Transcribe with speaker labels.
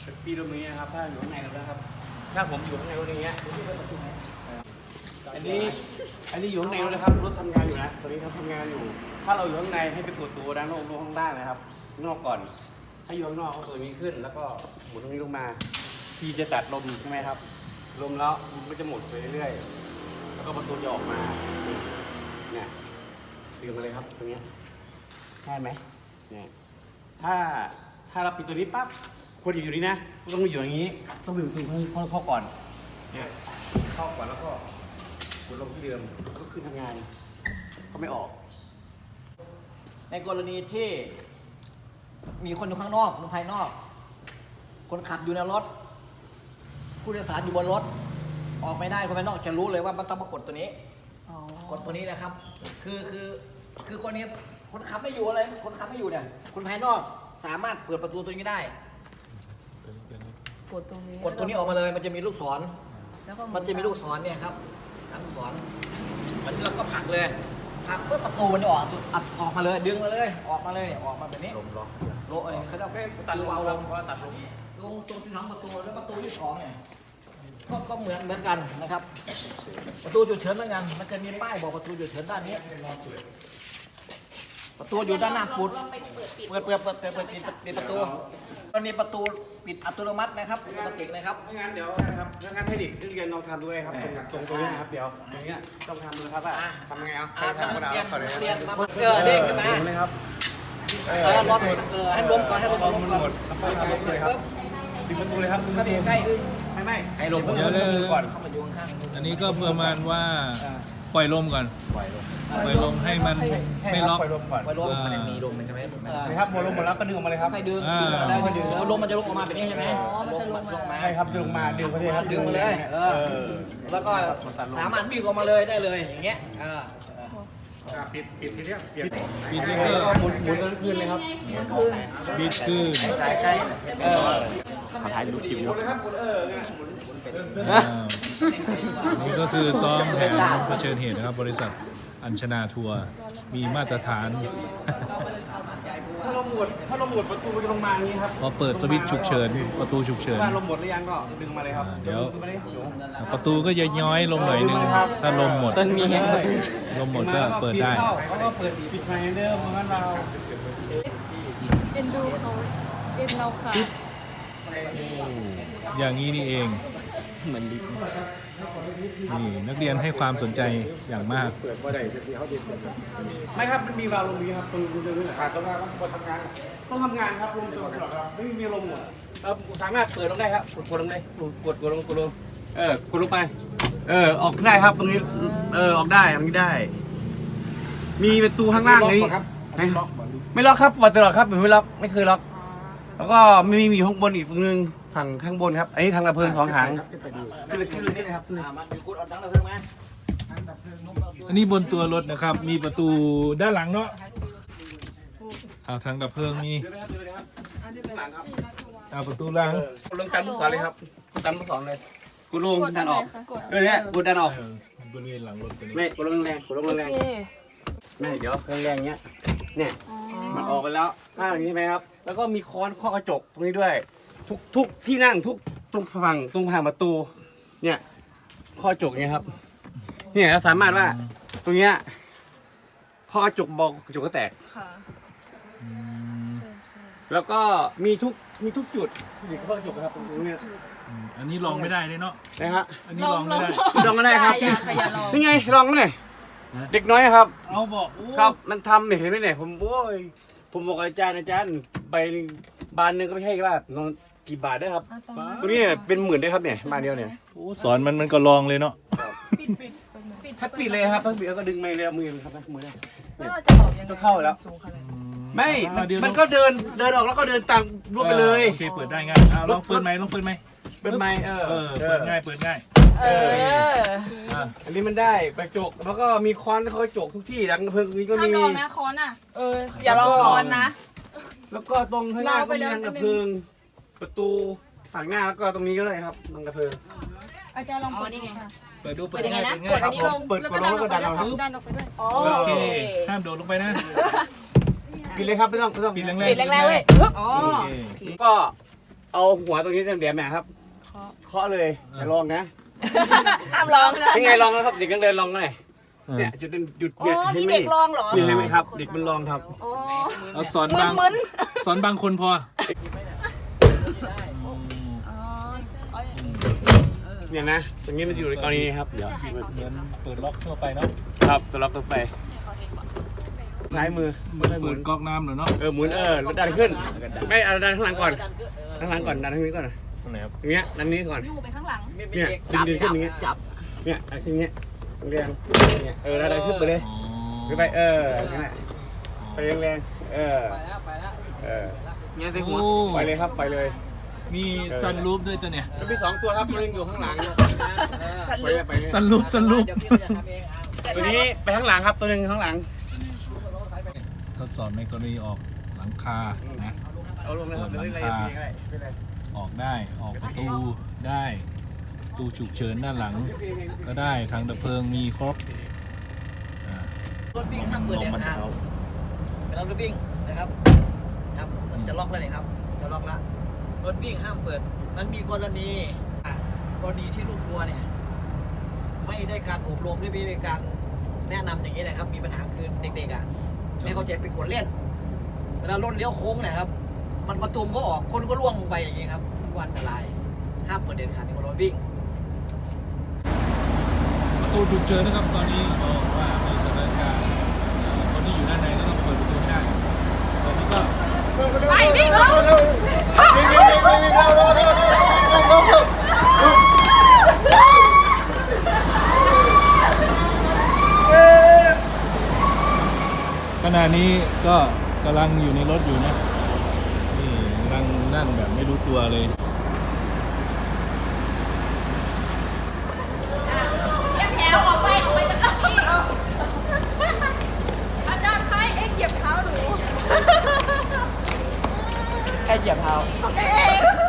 Speaker 1: ปีตรงนี้นะครับถ้าอยู่ข้างในนะครับถ้าผมอยู่ข้างในตรงนี้อันนี้อยู่ข้างในนะครับรถทำงานอยู่นะตอนนี้เขาทำงานอยู่ถ้าเราอยู่ข้างในให้ไปกดตัวด้านนอกข้างล่างนะครับนอกก่อนถ้าอยู่ข้างนอกเอาตัวนี้ขึ้นแล้วก็หมุนตรงนี้ลงมาที่จะตัดลมใช่ไหมครับลมแล้วมันก็จะหมุนไปเรื่อยๆแล้วก็ประตูจะออกมาเนี่ยดึงมาเลยครับตรงนี้ได้ไหมเนี่ยถ้าเราปิดตัวนี้ปั๊บควรอยู่นี่นะต้องอยู่อย่างนี้ต้องอยู่ตรงเข้าก่อนเนี่ยเข้าก่อนแล้วก็กดลงที่เดิมก็ขึ้นทำงานก็ไม่ออก
Speaker 2: ในกรณีที่มีคนอยู่ข้างนอกคนภายนอกคนขับอยู่ในรถผู้โดยสารอยู่บนรถออกไม่ได้คนภายนอกจะรู้เลยว่ามันต้องมากดตัวนี้กดตัวนี้นะครับคือคนนี้คนขับไม่อยู่อะไรคนขับไม่อยู่เนี่ยคนภายนอกสามารถเปิดประตูตัวนี้ได้
Speaker 3: กดตรงนี้
Speaker 2: ออกมาเลยมันจะมีลูกศรมันจะมีลูกศรเนี่ยครับลูกศรมันเราก็ผลักเลยผลักเพื่อประตูมันจะออกมาเลยดึงมาเลยออกมาเลยออกมาแบบนี้โลอะไรเขาจะตัดลมเอาลงตรงที่ทั้งประตูแล้วประตูที่สองเนี่ยก็เหมือนกันนะครับประตูฉุกเฉินเหมือนกันมันจะมีป้ายบอกประตูฉุกเฉินด้านนี้ประตูอยู่ด้านหน้าปุดเปิดประตูตอนนี้ประตูปิดอัตโนมัตินะครับปกตินะครับ
Speaker 1: งั้นเดี๋ยวนะครับงั้นให้เด็กเรียนลองทำด้วยครับตรงนี้นะครับเดี๋ยวอย่างเงี้ยต้องทำนะครับทำไงเอาทำกระดาษก่อนเลย
Speaker 2: เรียนมาเด้งขึ้นมา
Speaker 1: เลยครับ
Speaker 2: รอให้ล้มก่อนให้ล้มก่อน
Speaker 1: ดึงประตูเลยครับ
Speaker 2: เข้าไปใกล้
Speaker 1: ไม่ให้ลมก่อน
Speaker 2: เข้ามาอยู่ข้าง
Speaker 4: ๆอันนี้ก็ประมาณว่าปล่อยลมก่อนปล่อยลมให้มันไม่ล็อก
Speaker 1: ปล่อยลมก่อน
Speaker 2: ปล่อยลมมันมีลมมันจะไม่
Speaker 1: ใช่ครับลมหมดแล้วก็ดึงออกมาเลยครับ
Speaker 2: ให้ดึงแล้วลมมันจะลงออกมาแบบนี้ใช่ไหมลงมา
Speaker 1: ใช่ครับดึงมาดึงมาเลยครับ
Speaker 2: ดึงมาเลยแล้วก็สามารถวิ่งออกมาเลยได้เลยอย่างเงี้ย
Speaker 1: ปิดทีเนี้ย
Speaker 4: ปิดนี่ก็
Speaker 1: หมุนตอนคืนเลยครับ
Speaker 4: ปิดคือ
Speaker 1: ใกล้ถ่ายดูคลิปอยู่
Speaker 4: นี่ก็คือซ้อมแผนเผชิญเหตุนะครับบริษัทอัญชนาทัวร์มีมาตรฐาน
Speaker 1: ถ้าเราหมดประตูจะลงมาอย่างนี้ครับ
Speaker 4: พอเปิดสวิตช์ฉุกเฉินประตูฉุกเฉิน
Speaker 1: ถ้าลมหมดหรือยังก็ดึงมาเลยครับ
Speaker 4: เดี๋ยวประตูก็จะย้อยลงหน่อยนึงถ้าลมหมดลมหมดก็เปิดได้
Speaker 1: แล้วก็เปิดปิดไฟเดิมเหมือนเรา
Speaker 3: เอ็นดูเขาเอ็นเราค่ะ
Speaker 4: อย่างนี้นี่เองเหมือนดินี่นักเรียนให้ความสนใจอย่างมาก
Speaker 1: ไม่ครับมันมีวาล์วลมนี้ครับตรงนี้ขาดตรงนั้นต้องทำงานครับลมตลอดครับไม่มีลมหมดเราสามารถเปิดลงได้ครับกดลงเลยกดลงกดลงไปออกได้ครับตรงนี้ออกได้ตรงนี้ได้มีประตูข้างล่างนี้ไม่ล็อกครับเปิดตลอดครับไม่ล็อกไม่เคยล็อกแล้วก็ไม่มีห้องบนอีกฝั่งนึงฝั่งข้างบนครับอันนี้ทางดับเพลิง2 ถังขึ้นเลยนี่นะครับ
Speaker 2: มีคุณเอาถังดับเพลิงไหม
Speaker 4: อันนี้บนตัวรถนะครับมีประตูด้านหลังเนาะเอาทางดับเพลิงมีเอาประตูหลัง
Speaker 1: กดลงตันลูกศรเลยครับกดตันลูกศรเลยกดลงดันออกเนี่ยกดดันออก
Speaker 4: บริเวณหลังรถ
Speaker 1: ไม่กดลงแรงไม่เดี๋ยวแรงเงี้ยเนี่ยมันออกไปแล้วหน้าอย่างนี้ไหมครับแล้วก็มีค้อนข้อกระจกตรงนี้ด้วยทุกที่นั่งทุกตรงฝั่งประตูเนี่ยข้อกระจกเนี่ยครับเนี่ยเราสามารถว่าตรงเนี้ยข้อกระจกบอกกระจกก็แตกแล้วก็มีทุกจุดที่ข้อกระจกครับตรงนี้
Speaker 4: อันนี้ลองไม่ได้เลยเนาะ
Speaker 1: นะฮะ
Speaker 4: อันนี้ลองไม่ได้
Speaker 1: ลองไม่ได้ครับนี่ไงลองไม่ได้เด็กน้อยครับ
Speaker 4: เอาบอก
Speaker 1: ครับมันทำเห็นไหมเนี่ยผมบอกอาจารย์ไปบานนึงก็ไม่ใช่ว่ากี่บาทได้ครับตัวนี้เป็น10,000ได้ครับเนี่ยบานเดียวเนี่ย
Speaker 4: สอนมันก็ลองเลยเนาะ
Speaker 1: ถ้าปิดเลยครับถ้าปิดแล้วก็ดึงไม่เลยมือครับมือได้
Speaker 3: แล้วเราจะออกยังไง
Speaker 1: ก็เข้าแล้วไม่มันก็เดินออกแล้วก็เดินตามรูปไปเลย
Speaker 4: โอเคเปิดได้ง่ายลองเปิดไหมเปิดง่ายเปิดง่าย
Speaker 1: อันนี้มันได้กระจกแล้วก็มีค้อนกระจกทุกที่ดังเพลิงนี้ก็มี
Speaker 3: ลองนะค้อนอ่ะอย่าลองค้อนนะ
Speaker 1: แล้วก็ตรงข้างหน้าก็มีดังกระเพลิงประตูฝั่งหน้าแล้วก็ตรงนี้ก็ได้ครับดังกระเพลิง
Speaker 3: อาจารย์ลองเปิดนี่ไง
Speaker 4: เปิดดูเปิดยังไงนะ
Speaker 3: กดอันนี้ลง
Speaker 1: เปิดกดลงแล้วก็ดันออก
Speaker 3: ดันออกไปด้วย
Speaker 4: โอเคห้ามโดดลงไปนะ
Speaker 1: ปิดเลยครับไม่ต้อง
Speaker 4: ปิดแรง
Speaker 3: เลย
Speaker 1: ก็เอาหัวตรงนี้แหลมๆนะครับเคาะเลยอย่าลองนะ
Speaker 3: ห้ามร้องนะ
Speaker 1: ยังไงลองนะครับเด็กนักเรียนลองกันหน่อยเนี่ยจุดหยุด
Speaker 3: อ๋
Speaker 1: เนี่ย
Speaker 3: อ
Speaker 1: เห็
Speaker 3: มี
Speaker 1: นไหม
Speaker 3: เด็กร้องเหรอ
Speaker 1: นี่เห็นไหมครับ เด็กมันลองครับ
Speaker 3: อ๋อ
Speaker 4: เอาสอนบาง
Speaker 3: มึน
Speaker 4: สอนบางคนพอ
Speaker 3: อ๋อ
Speaker 1: เนี่ยนะตรงนี้มันอยู่ในกรณีนี้ครับเดี๋ยว
Speaker 4: เหมือนเปิดล็อกทั่วไปเนาะ
Speaker 1: ครับตัวล็อกตัวไปซ้ายมือ
Speaker 4: เหมือน
Speaker 1: หมุ
Speaker 4: เปิ
Speaker 1: น
Speaker 4: ดก๊อกน้ำเหรอเนาะ
Speaker 1: หมุนแล้วดันขึ้นไม่เอาดันข้างหลังก่อนข้างหลังก่อนดันข้างนี้ก่อนนะ
Speaker 4: ตรงไหนครับ
Speaker 1: อย่างเงี้ยดันนี้ก่อน
Speaker 3: อยู่ไปข้างหลัง
Speaker 1: เนี่ยดึงขึ้นอย่างเงี้ย
Speaker 2: จับ
Speaker 1: เนี่ยอะไรขึ้นอย่างเงี้ยแรงเนี่ยดันขึ้นไปเลย
Speaker 4: อ๋อ
Speaker 1: ขึ้นไปนั่นแหละไปแรงๆ
Speaker 2: ไปแล้วไปแล้ว
Speaker 1: เงี้ยใส่หัว
Speaker 4: โอ้
Speaker 1: ไปเลยครับไปเลย
Speaker 4: มีซันรูฟด้วยตัวเนี่ย
Speaker 1: แล้วมี2ตัวครับตัวนึงอยู่ข้างหลังไปเลยไปเลย
Speaker 4: ซันรูฟซันรูฟ
Speaker 2: เดี๋ยวพี่จะทำเองอ่ะ
Speaker 1: ตัวนี้ไปข้างหลังครับตัวนึงข้างหลัง
Speaker 4: ทดสอบในกรณีออกหลังคานะ
Speaker 1: เอาลงนะครับเดี๋ยวอะไรเองก็ได้ไม่เป็นไร
Speaker 4: ออกได้ออกประตูได้ประตูฉุกเฉินด้านหลัง ก็ได้ทางดับเพลิงมีครบอ่าร
Speaker 2: ถวิ่งห้ามเปิดเด็ดขาดเวลารถวิ่งนะครับครับมันจะล็อกแล้วนี่ครับจะล็อกละรถวิ่งห้ามเปิดมันมีกรณีที่ลูกทัวร์เนี่ยไม่ได้การอบรมไม่ได้การแนะนำอย่างนี้นะครับมีปัญหาคือเด็กๆอ่ะไม่เข้าใจไปกดเล่นเวลารถเลี้ยวโค้งเนี่ยครับมันประตูก็ออกคนก็ล่วงลงไปอย่างนี้ครับก็อันตรายห้ามเปิดเด็ดขาดในรถวิ่ง
Speaker 4: ประตูฉุกเฉินนะครับตอนนี้บอกว่ามีสถานการณ์คนที่อยู่ด้านในก็ต้องเปิดประตูไม่ได้ตอนนี้ก็
Speaker 3: ไปวิ่งลง
Speaker 4: ขณะนี้ก็กำลังอยู่ในรถอยู่นะนี่กำลังนั่นแบบไม่รู้ตัวเลย
Speaker 3: แถวออกไปจากที่อาจารย์คะเอ็กเหยียบเท้าหนู
Speaker 1: แค่เหยียบเท้า
Speaker 3: เอ็ก